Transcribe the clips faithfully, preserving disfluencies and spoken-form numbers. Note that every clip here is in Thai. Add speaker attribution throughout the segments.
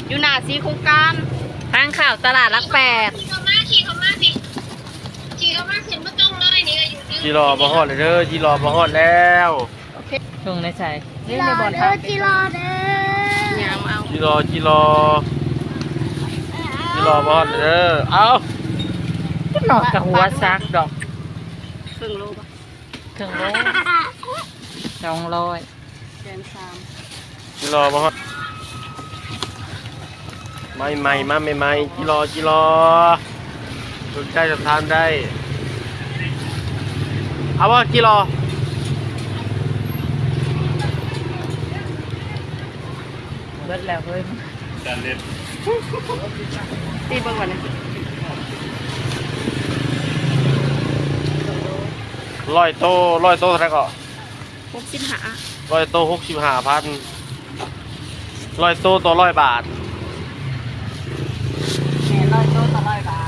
Speaker 1: อยู่หน้าสีโครงการ
Speaker 2: ทางข่าวตลาดรักแปด
Speaker 3: ขี่เข้ามาขี่เข้ามาสิขี่เข้ามาขึ้นมาตรงเลยนี่ก็อยู่
Speaker 4: จีรอมาฮอดเลยเด้อจีรอมาฮอดแล้ว
Speaker 2: ช่วงในใจ
Speaker 3: จีรอเด้อจีรอเด้อย
Speaker 1: ามเอา
Speaker 4: จีรอจีรอจีรอมาฮอดเลยเด้อเอา
Speaker 2: หนอกกับหัวซักดอก
Speaker 1: ครึ่งโลป่ะ
Speaker 2: ถึงโลสองร้อย
Speaker 1: แสนสาม
Speaker 4: จีรอมาฮอดไม่ไม่มาไม่ไม่จีรอจีรอสนใจจะทานได้เอาว่าจีรอ
Speaker 2: เบิดแล้วเฮ้ย
Speaker 1: ตีเบิ่งก่อนนะ
Speaker 4: ร้อยโตร้อยโตเท่าไหร่ก็
Speaker 1: หกสิบห้า
Speaker 4: ร้อยโตหกสิบห้าพันร้อยโตต่อร้อยบาท
Speaker 2: แม่ร้อยโลต่อร้อยบาท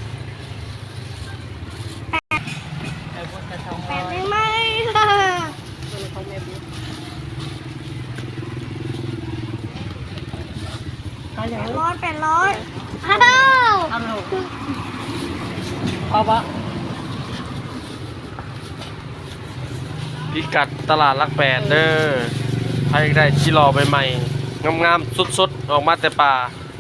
Speaker 2: ไอ้พวกจะสองร้อย
Speaker 3: ไม่
Speaker 1: ตัวของแม่บุ๊
Speaker 2: เอาอย่าง
Speaker 3: ร้อยแปดร้อยอ้าว
Speaker 2: เอาลูกเอาปะ
Speaker 4: พิกัดตลาดรักแปดเด้อใครได้จีรอใหม่ๆงามๆสดๆออกมาแต่ป่า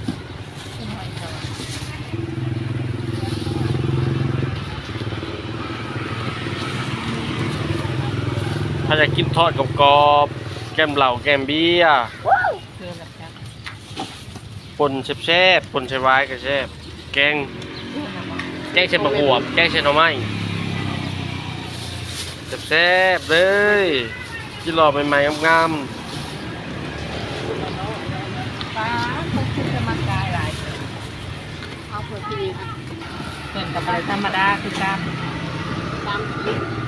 Speaker 4: ถ้าอยากกินทอดกับกรอบๆแก้มเหล่าแก้มเบี้ย
Speaker 2: คือแบบนี้
Speaker 4: ปนแซ่บๆปนใช้ไว้ก็แซ่บแกงแกงเช่นมะขวบแกงเช่นหน่อไม้แซ่บๆเลยจีรอใหม่ๆงาม
Speaker 2: ป้าเขาคือจะมากายหลาย
Speaker 1: เอาเผื่อพี่นี่ค่ะ
Speaker 2: เกินกับอะไรธรรมดาคือการ
Speaker 1: ตาม